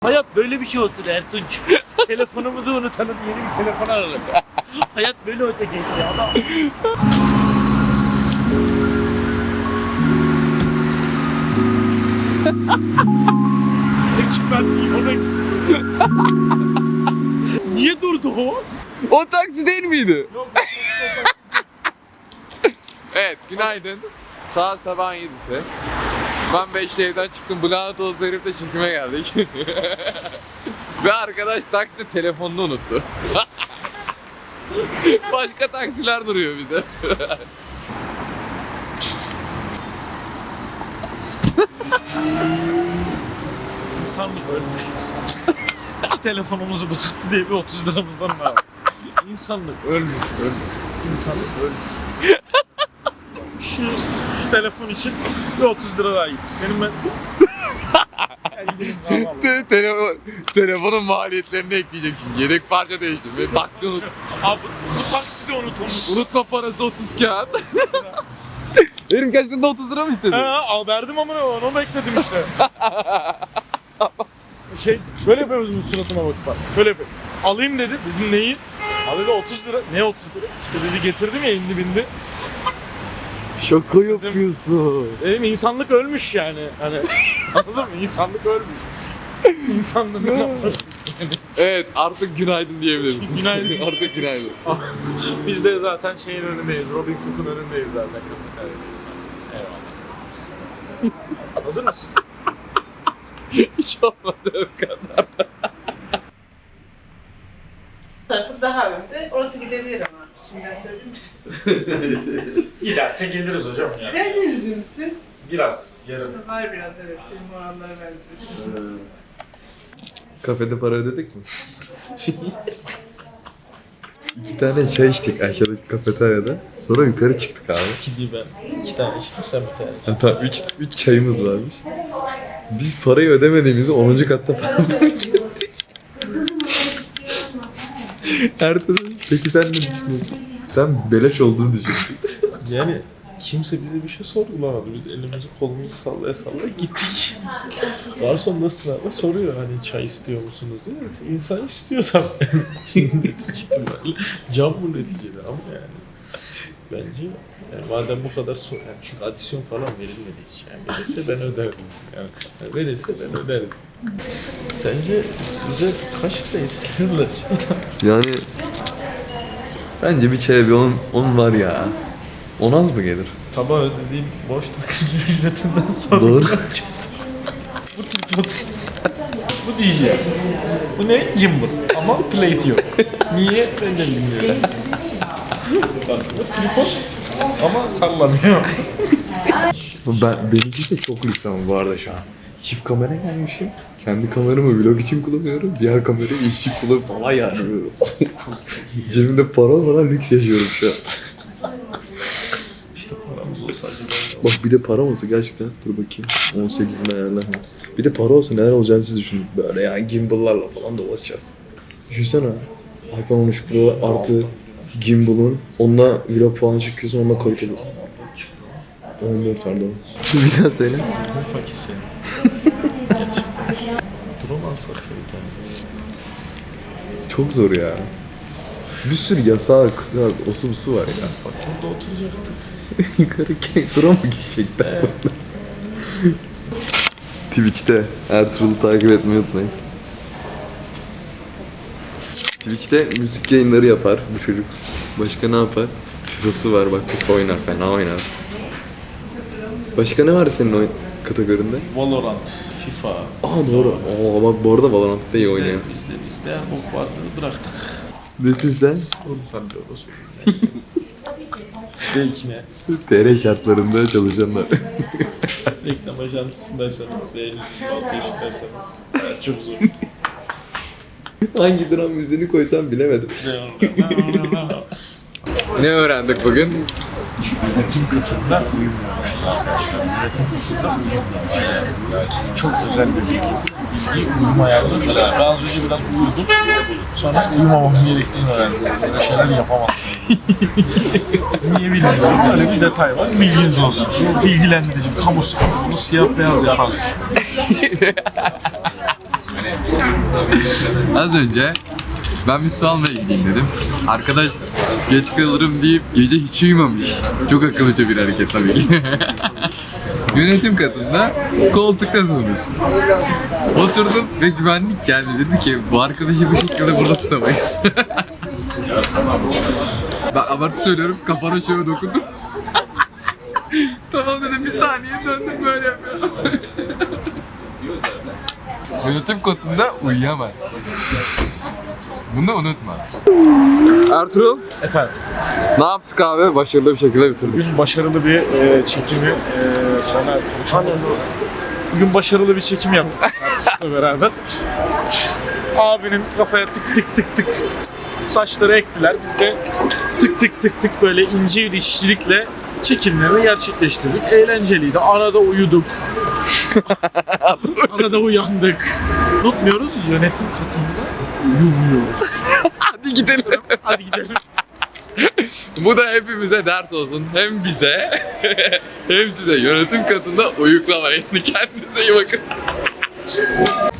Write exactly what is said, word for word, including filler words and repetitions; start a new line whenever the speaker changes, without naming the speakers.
Hayat böyle bir şey olsun Ertunç. Telefonumuzu unutalım, yeni bir telefon alalım. Hayat böyle olsa geçti adam. Peki ben niye ona gittim? Niye durdu o?
O taksi değil miydi?
Yok,
Evet, günaydın. Saat sabah yedisi. Ben beşte evden çıktım. Bülent olsa herifle çekime geldik. Ve arkadaş takside telefonunu unuttu. Başka taksiler duruyor bize.
İnsanlık ölmüş. İki telefonumuzu bıraktı diye bir otuz liramızdan var. İnsanlık ölmüş, ölmüş. İnsanlık ölmüş. Şu, şu telefon için bir otuz lira daha gitti. Senin ben...
Te- telefon, telefonun maliyetlerini ekleyecek şimdi. Yedek parça değişim. Ve taksi unut.
Abi bu takside unutulmuş.
Unutma parası otuz kağıt. Herif gerçekten de otuz lira mı istedi?
Ha, al verdim ama onu bekledim işte. Şey, şöyle yapıyoruz bunun suratına bak bak. Şöyle yapıyorum. Alayım dedi. Dedim neyi? Abi dedi otuz lira. Ne otuz lira? İşte dedi getirdim ya elli bindi.
Şaka yapıyorsun.
Dedim insanlık ölmüş yani. Hani anladın mı? İnsanlık ölmüş. İnsanlık ölmüş.
Evet, artık günaydın diyebiliriz.
Günaydın.
Artık günaydın.
Biz de zaten şeyin önündeyiz. Robin Cook'un önündeyiz zaten. Kafeteryadeyiz. Eyvallah. Hazır mısın?
Hiç olmadı o kadar.
Tarafı daha önde. Orası gidebilir ama. Şimdiden söyledim.
Giderse geliriz hocam yani.
Sen de üzgün müsün?
Biraz, yarın.
Var biraz evet. Benim oranlara benziyorsun.
Kafede para ödedik mi? İki tane çay içtik aşağıdaki kafeteryada. Sonra yukarı çıktık abi.
İki ben. İki tane içtim, sen bir tane.
Hatta üç, üç çayımız varmış. Biz parayı ödemediğimizi onuncu katta falan fark ettik. Ertuğrul, peki sen ne düşünüyorsun? Sen beleş olduğunu düşünüyorsun.
Yani kimse bize bir şey sorgulamadı. Biz elimizi kolumuzu sallaya sallaya gittik. Garson da ısrarla soruyor hani çay istiyor musunuz diye. Evet, İnsan istiyor tabii. İhtimalle. Can bu neticede ama yani. Bence yani madem bu kadar sor, yani çünkü adisyon falan verilmedi hiç. Yani verirse ben öderdim. Yani verirse ben öderdim. Sence bize kaç lira etkilerler şeyden?
Yani bence bir çaya bir on, on var ya. On az mı gelir?
Tabağı ödediğim boş takıcı ücretinden sonra
Doğru.
bu tripod. Bu D J. Bu ne? Gimbal. Ama plate yok. Niye? Ben de bilmiyorum. Bak bu tripod ama sallamıyor.
Ben, benimki de çok lüks ama bu arada şu an. Çift kamera gelmişim. Kendi kameramı vlog için kullanıyorum. Diğer kamerayı iş için kullanıyorum falan yani. Cebimde para olmadan lüks yaşıyorum şu an.
İşte paramız olsa acaba.
Bak bir de para olsa gerçekten. Dur bakayım. on sekizini ayarla. Bir de para olsa neler olacağını siz düşünün. Böyle yani gimbal'larla falan dolaşacağız. Düşünsene. iPhone on üç Pro artı gimbal'ın. Onunla vlog falan çıkıyorsun. Onunla kayıt ediyorsun. on dört pardon. Bir daha söyle.
Bu fakir senin. Gerçekten. Drone alsak ya bir tane.
Çok zor ya. Bir sürü yasak, osu busu var ya.
Bak burada oturacaktık.
Yukarı tura mı gidecekler?
Evet.
Twitch'te Ertuğrul'u takip etmeyi unutmayın. Twitch'te müzik yayınları yapar bu çocuk. Başka ne yapar? FIFA'sı var bak, FIFA oynar, fena oynar. Başka ne var senin oyun kategorinde?
Valorant, FIFA.
Aa doğru. Aa bak bu arada Valorant'ta iyi oynuyor.
Bizde bizde bok vardı bıraktık.
Nesin sen?
Onu sallıyoruz. Belki
T R şartlarında çalışanlar.
reklam ajantısındaysanız ve elli altı yaşındaysanız evet, çok zor.
Hangi dram müziğini koysam bilemedim. Ne öğrendik bugün?
Üretim katında uyumuyormuşuz arkadaşlar. Üretim katında uyumuyormuşuz yani. yani. Çok özel bir bilgi. Bilgi uyuma ayarlarında. Yani ben az önce biraz uyudum. Sonra uyumamam gerektiğini öğrendim. Böyle şeyler yapamazsın. Niye bilmiyorum. Böyle bir detay var. Bilginiz olsun. Bilgilendirici, kamu sporu. Bunu siyah beyaz yaparsın.
Az önce ben bir su almaya gideyim dedim. Arkadaş geç kalırım deyip gece hiç uyumamış. Çok akıllıca bir hareket tabii ki. Yönetim katında koltukta sızmış. Oturdum ve güvenlik geldi, dedi ki bu arkadaşı bu şekilde burada tutamayız. Ben abartı söylüyorum, kafana şöyle dokundum. Tamam dedim, bir saniye döndüm, böyle yapıyorum. Yönetim katında uyuyamaz. Bunu unutma. Ertuğrul,
Efendim,
ne yaptık abi? Başarılı bir şekilde bitirdik.
bugün başarılı bir e, çekimi e, sona erdirdik. Bugün başarılı bir çekim yaptık artistle beraber. Abinin kafaya tık tık tık tık saçları ektiler. Biz de tık tık tık tık böyle ince bir işçilikle çekimlerini gerçekleştirdik. Eğlenceliydi. Arada uyuduk. Arada uyandık. Unutmuyoruz, yönetim katında uyumuyoruz.
Hadi gidelim.
Hadi gidelim.
Bu da hepimize ders olsun. Hem bize hem size, yönetim katında uyuklamayın. Kendinize iyi bakın.